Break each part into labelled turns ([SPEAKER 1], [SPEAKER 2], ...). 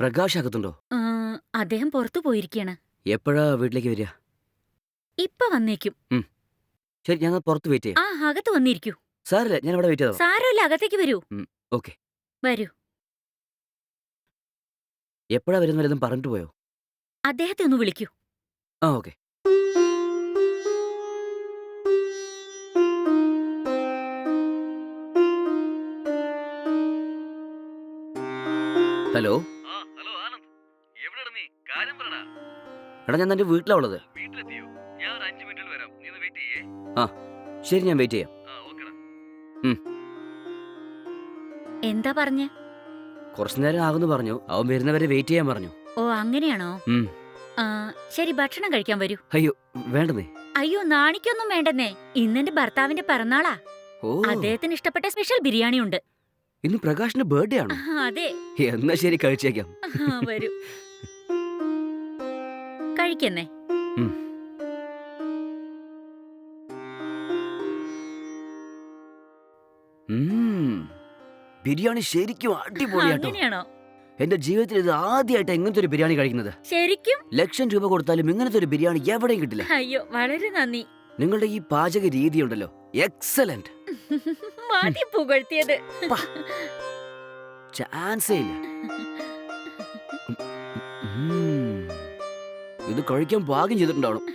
[SPEAKER 1] പ്രകാശ് അകത്തുണ്ടോ?
[SPEAKER 2] ആ, അദ്ദേഹം പുറത്തു പോയിരിക്കാണ്.
[SPEAKER 1] എപ്പോഴാ വീട്ടിലേക്ക് വരിക?
[SPEAKER 2] ഇപ്പൊ വന്നേക്കും.
[SPEAKER 1] ശരി, ഞങ്ങൾ പുറത്ത് വെയിറ്റ് ചെയ്യാം.
[SPEAKER 2] അകത്ത് വന്നിരിക്കൂ.
[SPEAKER 1] സാറില്ല, ഞാൻ ഇവിടെ വെയിറ്റ് ചെയ്തോ.
[SPEAKER 2] സാരമില്ല, അകത്തേക്ക് വരൂ.
[SPEAKER 1] ഓക്കെ.
[SPEAKER 2] വരൂ.
[SPEAKER 1] എപ്പോഴാ വരുന്ന വല്ലതും പറഞ്ഞിട്ട് പോയോ?
[SPEAKER 2] അദ്ദേഹത്തെ ഒന്ന് വിളിക്കൂ.
[SPEAKER 1] ഓക്കെ. ഹലോ.
[SPEAKER 3] ഹലോ ആനന്ദ്, എവിടെടാ നീ? കാര്യം പറടാ.
[SPEAKER 1] എടാ, ഞാൻ നിന്റെ വീട്ടിലാ ഉള്ളത്.
[SPEAKER 3] വീട്ടിലെത്തിയോ? ഞാൻ ഒരു 5 മിനിറ്റിൽ വരാം. നീ ഒന്ന് വെയിറ്റ് ചെയ്യേ.
[SPEAKER 1] ശരി, ഞാൻ വെയിറ്റ് ചെയ്യാം.
[SPEAKER 3] ഓക്കെടാ.
[SPEAKER 2] എന്താ പറഞ്ഞേ?
[SPEAKER 1] കുറച്ചു നേരം ആകുന്നു പറഞ്ഞു. അവൻ വരുന്നവരെ വെയിറ്റ് ചെയ്യാൻ പറഞ്ഞു.
[SPEAKER 2] ഓ, അങ്ങനെയാണോ? ആ, ശരി, ഭക്ഷണം കഴിക്കാൻ വരൂ.
[SPEAKER 1] അയ്യോ, വേണ്ടെന്നേ.
[SPEAKER 2] അയ്യോ, നാണിക്കൊന്നും വേണ്ടെന്നേ. ഇന്നെന്റെ ഭർത്താവിന്റെ പിറന്നാളാ. അദ്ദേഹത്തിന് ഇഷ്ടപ്പെട്ട സ്പെഷ്യൽ ബിരിയാണി ഉണ്ട്.
[SPEAKER 1] ഇന്ന് പ്രകാശിന്റെ ബർത്ത്ഡേ ആണോ?
[SPEAKER 2] അതെ.
[SPEAKER 1] എന്നാ ശരി, കഴിച്ചേക്കാം.
[SPEAKER 2] വരൂ, കഴിക്കുന്നേ.
[SPEAKER 1] ബിരിയാണി ശരിക്കും അടിപൊളിയാട്ടോ.
[SPEAKER 2] അങ്ങനെയാണോ?
[SPEAKER 1] എന്റെ ജീവിതത്തിൽ ഇത് ആദ്യമായിട്ട് ഇങ്ങനത്തെ ഒരു ബിരിയാണി കഴിക്കുന്നത്.
[SPEAKER 2] ശരിക്കും?
[SPEAKER 1] ലക്ഷം രൂപ കൊടുത്താലും ഇങ്ങനത്തെ ഒരു ബിരിയാണി എവിടെയും കിട്ടില്ല.
[SPEAKER 2] അയ്യോ, വളരെ നന്ദി.
[SPEAKER 1] നിങ്ങളുടെ ഈ പാചക രീതി ഉണ്ടല്ലോ, എക്സലന്റ്.
[SPEAKER 2] മതി പുകഴ്ത്തിയത്.
[SPEAKER 1] ചാൻസേ ഇല്ല. ഇത് കഴിക്കാൻ പാകം ചെയ്തിട്ടുണ്ടാവണം.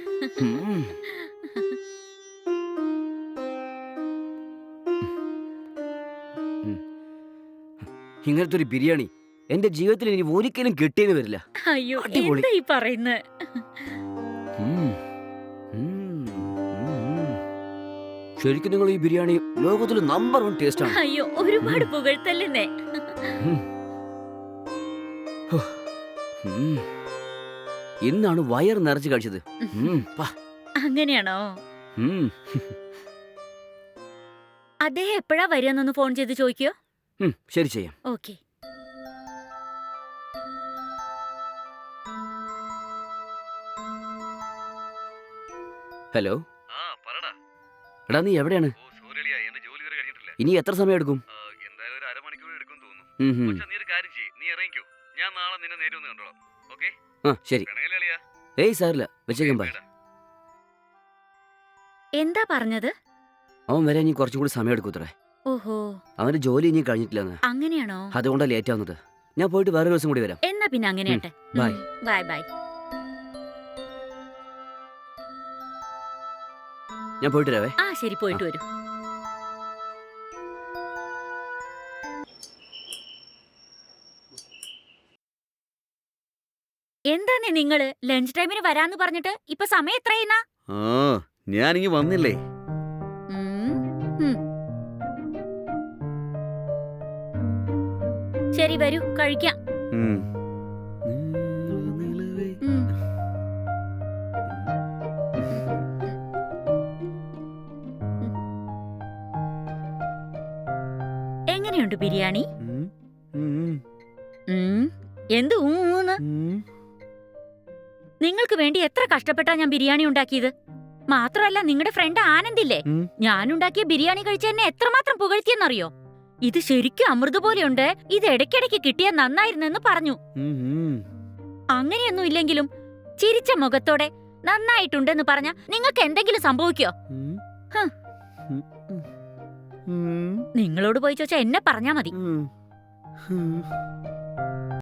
[SPEAKER 1] ഇങ്ങനത്തെ ഒരു ബിരിയാണി എന്റെ ജീവിതത്തിൽ ഇനി ഒരിക്കലും കിട്ടിയെന്ന് വരില്ല.
[SPEAKER 2] അയ്യോ,
[SPEAKER 1] അടിപൊളി.
[SPEAKER 2] എന്താ ഈ പറയുന്നത്?
[SPEAKER 1] ശരിക്കും നിങ്ങൾ ഈ ബിരിയാണി ലോകത്തിലെ നമ്പർ 1 ടേസ്റ്റ് ആണ്.
[SPEAKER 2] അയ്യോ, ഒരുപാട് പുകഴ്ത്തല്ലേ.
[SPEAKER 1] ഇന്നാണ് വയർ നിറച്ച് കഴിച്ചത്.
[SPEAKER 2] അങ്ങനെയാണോ? അദ്ദേഹം എപ്പോഴാ വരികയെന്നൊന്ന് ഫോൺ ചെയ്ത് ചോദിക്കോ.
[SPEAKER 1] ശരി, ചെയ്യാം.
[SPEAKER 2] ഓക്കെ.
[SPEAKER 1] ഹലോ.
[SPEAKER 3] പറടാ.
[SPEAKER 1] എടാ, നീ എവിടെയാണ്?
[SPEAKER 3] സോറിളിയാ, എന്റെ ജോലി വരെ കഴിഞ്ഞിട്ടില്ല.
[SPEAKER 1] ഇനി എത്ര സമയം എടുക്കും?
[SPEAKER 3] എന്തായാലും ഒരു അരമണിക്കൂർ എടുക്കും തോന്നുന്നു. നീ ഒരു കാര്യം ചെയ്യ്, നീ ഇറങ്ങിക്കോ. ഞാൻ നാളെ നിന്നെ നേരെ ഒന്ന് കണ്ടോളാം. ഓക്കേ?
[SPEAKER 1] ശരി. ഏയ് സാറില്ല, വെച്ചേക്കാം. ബൈ.
[SPEAKER 2] എന്താ പറഞ്ഞത്?
[SPEAKER 1] അവൻ വരെ ഇനി കുറച്ചും കൂടി സമയം എടുക്കൂത്രേ.
[SPEAKER 2] ഓഹോ,
[SPEAKER 1] അവന്റെ ജോലി ഇനി കഴിഞ്ഞിട്ടില്ലെന്ന്.
[SPEAKER 2] അങ്ങനെയാണോ?
[SPEAKER 1] അതുകൊണ്ടാണ് ലേറ്റ് ആവുന്നത്. ഞാൻ പോയിട്ട് വേറെ ദിവസം കൂടി വരാം.
[SPEAKER 2] എന്നാ പിന്നെ അങ്ങനെയാട്ടെ.
[SPEAKER 1] ബൈ.
[SPEAKER 2] Bye bye.
[SPEAKER 1] ഞാൻ പോയിട്ട് വരാവേ.
[SPEAKER 2] ശരി, പോയിട്ട് വരൂ. എന്താന്നേ നിങ്ങള് ലഞ്ച് ടൈമിന് വരാന്ന് പറഞ്ഞിട്ട് ഇപ്പൊ സമയം എത്രയെന്നാ?
[SPEAKER 3] ഞാനിങ്ങി വന്നില്ലേ.
[SPEAKER 2] ശരി, വരൂ, കഴിക്കാം. എങ്ങനെയുണ്ട് ബിരിയാണി? എന്ത് ഊന്ന്? നിങ്ങൾക്ക് വേണ്ടി എത്ര കഷ്ടപ്പെട്ടാ ഞാൻ ബിരിയാണി ഉണ്ടാക്കിയത്. മാത്രമല്ല, നിങ്ങളുടെ ഫ്രണ്ട് ആനന്ദില്ലേ, ഞാനുണ്ടാക്കിയ ബിരിയാണി കഴിച്ച എന്നെ എത്രമാത്രം പുകഴ്ത്തിയെന്നറിയോ? ഇത് ശരിക്കും അമൃത് പോലെയുണ്ട്, ഇത് ഇടയ്ക്കിടയ്ക്ക് കിട്ടിയാൽ നന്നായിരുന്നെന്ന് പറഞ്ഞു. അങ്ങനെയൊന്നും ഇല്ലെങ്കിലും ചിരിച്ച മുഖത്തോടെ നന്നായിട്ടുണ്ടെന്ന് പറഞ്ഞ നിങ്ങൾക്ക് എന്തെങ്കിലും സംഭവിക്കോ? നിങ്ങളോട് പോയി ചോദിച്ചാ എന്നെ പറഞ്ഞാ മതി.